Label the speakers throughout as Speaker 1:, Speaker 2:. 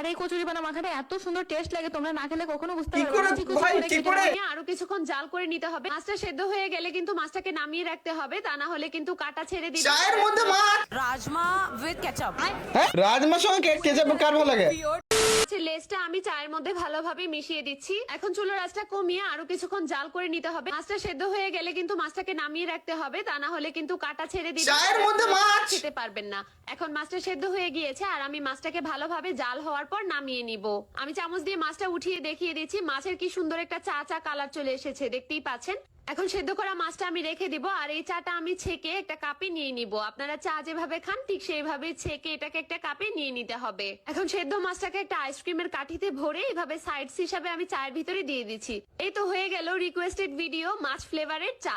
Speaker 1: আর এই কচুরি বানা মাখাটা এত সুন্দর টেস্ট লাগে, তোমরা না খেলে কখনো বুঝতে পারবে না। আরো কিছুক্ষণ জাল করে নিতে হবে। মাছটা সেদ্ধ হয়ে গেলে কিন্তু মাছটাকে নামিয়ে রাখতে হবে, তা না হলে কিন্তু কাটা ছেড়ে দিবে।
Speaker 2: চায়ের মধ্যে মাছ,
Speaker 3: রাজমা উইথ কেচাপ।
Speaker 2: হ্যাঁ রাজমার সঙ্গে কেচাপ কার ভালো লাগে?
Speaker 1: লেসটা আমি চায়ের মধ্যে ভালোভাবে মিশিয়ে দিচ্ছি। এখন চুলার আঁচটা কমিয়ে আরো কিছুক্ষণ জাল করে নিতে হবে। মাছটা সেদ্ধ হয়ে গেলে কিন্তু মাছটাকে নামিয়ে রাখতে হবে, তা না হলে কিন্তু কাটা ছেড়ে দিবে।
Speaker 2: চায়ের মধ্যে মাছ
Speaker 1: খেতে পারবেন না। এখন মাছটা সেদ্ধ হয়ে গিয়েছে আর আমি মাছটাকে ভালোভাবে জাল হওয়ার পর নামিয়ে নিব। আমি চামচ দিয়ে মাছটা উঠিয়ে দেখিয়ে দিচ্ছি। মাছের কি সুন্দর একটা চা চা কালার চলে এসেছে, দেখতেই পাচ্ছেন। এখন সেদ্ধ করা মাছটা আমি রেখে দিব আর এই চাটা আমি ছেঁকে একটা কাপে নিয়ে নিব। আপনারা চা যেভাবে খান ঠিক সেইভাবে ছেঁকে এটাকে একটা কাপে নিয়ে নিতে হবে। এখন সেদ্ধ মাছটাকে একটা আইসক্রিমের কাঠিতে ভরে এইভাবে সাইডস হিসাবে আমি চায়ের ভিতরে দিয়ে দিচ্ছি। এই তো হয়ে গেল রিকোয়েস্টেড ভিডিও মাছ ফ্লেভারের চা।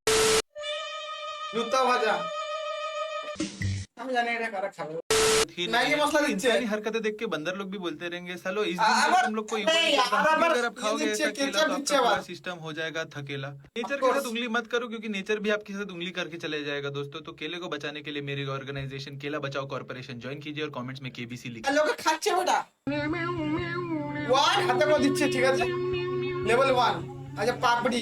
Speaker 2: জুতা ভাজা, আমি জানি এটা কারা খাবে। मैगी मसाला दीजिए।
Speaker 4: सारी हरकतें देख के बंदर लोग भी बोलते रहेंगे सालो इस दिन तक तुम लोग को अगर आप खाओगे ऐसा केला तो आपका पूरा सिस्टम हो जाएगा थकेला। नेचर के साथ उंगली मत करो क्योंकि नेचर भी आपके साथ उंगली करके चले जाएगा दोस्तों। तो केले को बचाने के लिए मेरी ऑर्गेनाइजेशन केला बचाओ कॉर्पोरेशन ज्वाइन कीजिए और कमेंट्स में केबीसी लिखिए।
Speaker 2: लोग खाচ্ছে ওটা ওয়ান হাতে করে দিচ্ছে, ঠিক আছে লেভেল 1। আচ্ছা পাপড়ি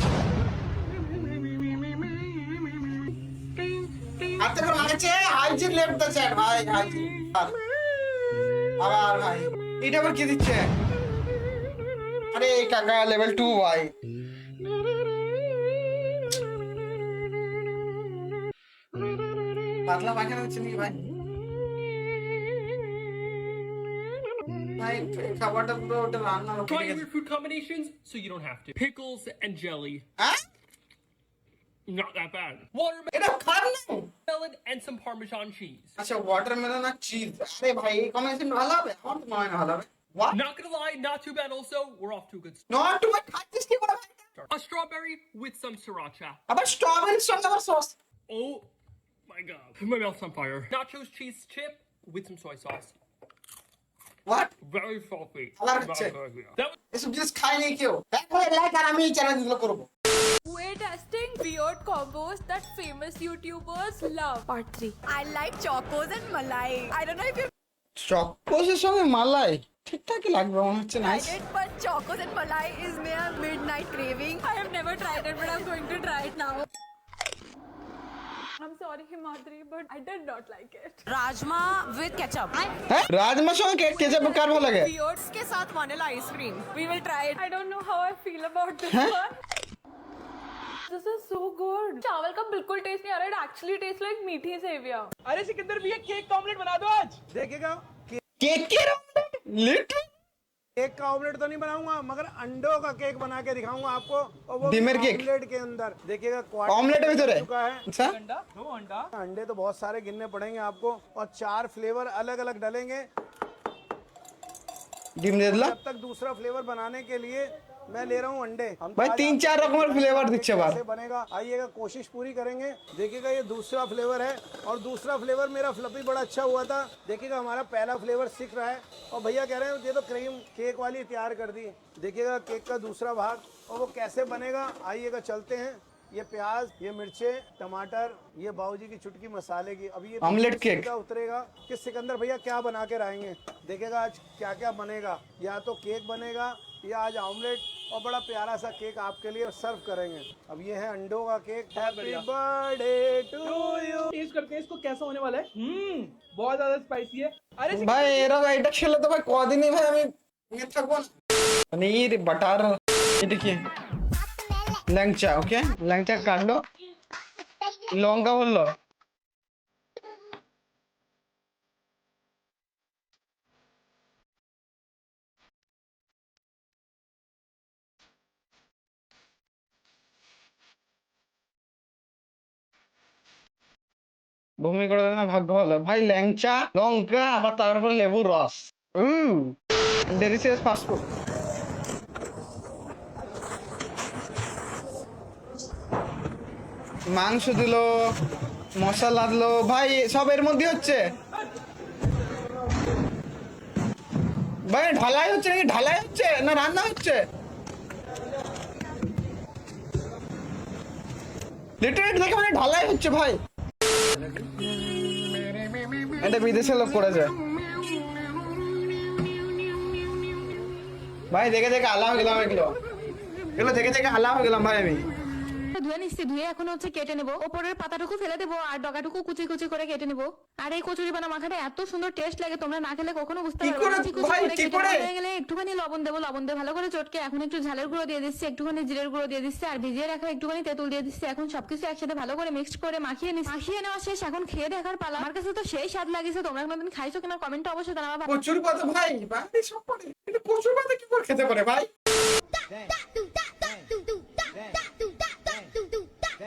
Speaker 2: হাতে করে মারছে, হাইজিন লেফট দ্য চ্যাট ভাই, হাইজিন। আবার ভাই এটা আবার কি দিচ্ছে? আরে কাকা লেভেল 2 ভাই। পাতলা পায়খানা হচ্ছে নাকি ভাই? ভাই খাবারটা পুরো ওটা রান্না
Speaker 5: Try weird food combinations so you don't have to. Pickles and jelly.
Speaker 2: হ্যাঁ
Speaker 5: Not that bad. Watermelon
Speaker 2: এটা খারাপ না।
Speaker 5: and some Parmesan cheese.
Speaker 2: আচ্ছা ওয়াটারমেলন আর চিজ, আরে ভাই এই কম্বিনেশন ভালো হবে? আমার তো মনে হয় না ভালো হবে। What?
Speaker 5: Not gonna lie, not too bad also. We're off to a good start.
Speaker 2: Not too much খাচ্ছিস কি করে ভাই?
Speaker 5: A strawberry with some sriracha.
Speaker 2: আবার স্ট্রবেরি সঙ্গে আবার sauce.
Speaker 5: Oh my god. My mouth's on fire. Nachos cheese chip with some soy sauce.
Speaker 2: What?
Speaker 5: Very salty.
Speaker 2: আবার
Speaker 5: Very
Speaker 2: হচ্ছে
Speaker 5: salty. That was
Speaker 2: এসব জিনিস খাই নাই কেউ। দেখো লাইক আর আমি এই চ্যালেঞ্জগুলো করব।
Speaker 6: We're testing weird combos that famous YouTubers love. Part 3.
Speaker 3: I like chocos and malai. I don't know if you've
Speaker 2: চকোসের সঙ্গে মালাই ঠিকঠাকই লাগবে মনে হচ্ছে। Nice.
Speaker 3: tried it, but chocos and malai is my midnight craving.
Speaker 6: I have never tried it, but I'm going to try it now. I'm sorry, Himadri, but I did not like it.
Speaker 3: Rajma with ketchup.
Speaker 2: হ্যাঁ রাজমার সঙ্গে ketchup কার ভালো লাগে?
Speaker 3: Weird के साथ vanilla ice cream. We will try it.
Speaker 6: I don't know how I feel about this one. This is so good. चावल का बिल्कुल test नहीं आ रहा. It actually tastes like मीठी सेविया.
Speaker 7: अरे सिकंदर भैया केक का ऑमलेट बना दो आज। देखेगा
Speaker 2: কেকের লিটল
Speaker 7: केक का ऑमलेट तो नहीं बनाऊंगा मगर अंडों का केक बना के दिखाऊंगा आपको, और वो
Speaker 2: डिमर केक?
Speaker 7: ऑमलेट के अंदर देखिएगा
Speaker 2: ऑमलेट में तो
Speaker 7: चुका है।
Speaker 2: अच्छा
Speaker 7: दो अंडा, अंडे तो बहुत सारे गिनने पड़ेंगे आपको, और 4 फ्लेवर अलग अलग डालेंगे।
Speaker 2: ডিম দিয়ে দিলাম
Speaker 7: जब तक दूसरा फ्लेवर बनाने के लिए मैं ले रहा हूँ अंडे। हम
Speaker 2: भाई
Speaker 7: आज
Speaker 2: 3-4 रकमेर फ्लेवर দিচ্ছে বার।
Speaker 7: कैसे बनेगा आइएगा, कोशिश पूरी करेंगे। देखिएगा ये दूसरा फ्लेवर है, और दूसरा फ्लेवर मेरा फ्लफी बड़ा अच्छा हुआ था। देखिएगा हमारा पहला फ्लेवर सीख रहा है, और भैया कह रहे हैं ये तो क्रीम केक वाली तैयार कर दी। देखिएगा केक का दूसरा भाग और वो कैसे बनेगा, आइएगा चलते हैं। ये प्याज, ये मिर्चे, टमाटर, ये बाबूजी की चुटकी मसाले की। अब ये
Speaker 2: ऑमलेट केक
Speaker 7: उतरेगा कि सिकंदर भैया क्या बना के लाएंगे। देखिएगा आज क्या क्या बनेगा, या तो केक बनेगा या आज ऑमलेट, और बड़ा प्यारा सा केक आपके लिए सर्व करेंगे। अब ये है अंडों का cake. Happy birthday to you.
Speaker 8: Test करते हैं इसको कैसा होने वाला है। बहुत ज्यादा स्पाइसी है। अरे
Speaker 2: ভাই এরা এটা খেলে তো ভাই কদিনই ভাই আমি নিয়ে থাকবো না। পনির বাটার এটা কি ল্যাংচা, ওকে ল্যাংচা কাটলো, লঙ্কা বললো বমি করে দেয় না, ভাগ্য ভালো ভাই। ল্যাংচা লঙ্কা আবার তারপর লেবুর রস। Delicious fast food. মাংস দিল, মশলা দিল, ভাই সব এর মধ্যে হচ্ছে। ভাই ঢালাই হচ্ছে নাকি? ঢালাই হচ্ছে না রান্না হচ্ছে? লিটারেলি দেখে মানে ঢালাই হচ্ছে ভাই। এটা বিদেশের লোক করেছে। ভাই দেখে দেখে আলা হয়ে গেলাম এগুলো দেখে দেখে আলা হয়ে গেলাম ভাই আমি।
Speaker 9: ধুয়ে নিচ্ছি, ধুয়ে এখন হচ্ছে কেটে নেবো। ওপরের পাতাটুকু ফেলে দেবো আর ডগাটুকু কুচি কুচি করে কেটে নেবো। আর এই কচুরি বানা মাখাটা এত সুন্দর টেস্ট লাগে, তোমরা না খেলে কখনো বুঝতে
Speaker 2: কি
Speaker 9: পারবে
Speaker 2: করে
Speaker 9: না। কুচি কুচি
Speaker 2: ভাই,
Speaker 9: করে
Speaker 2: কি
Speaker 9: কেটে
Speaker 2: করে?
Speaker 9: হয়ে গেলে একটুখানি লবণ দেবো, লবণ দিয়ে ভালো করে চটকে এখন একটু ঝালের গুঁড়ো দিয়ে দিচ্ছি, একটুখানি জিরের গুঁড়ো দিয়ে দিচ্ছি আর ভিজিয়ে রাখা একটুখানি তেঁতুল দিয়ে দিচ্ছি। এখন সবকিছু একসাথে ভালো করে মিক্সড করে মাখিয়ে নিচ্ছি। মাখিয়ে নেওয়া শেষ, এখন খেয়ে দেখার পালা। আমার কাছে তো সেই স্বাদ লাগিছে, তোমরা কোনোদিন খাইছো কিনা কমেন্টে অবশ্যই জানাবা।
Speaker 2: কচুর পাতা ভাই, ভাই সব পড়ে এটা কচুর পাতা কি করে খেতে পারে ভাই?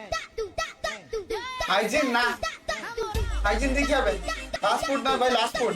Speaker 2: হাইজিন না, হাইজিন দেখি হবে। লাস্ট ফুড না ভাই, লাস্ট ফুড।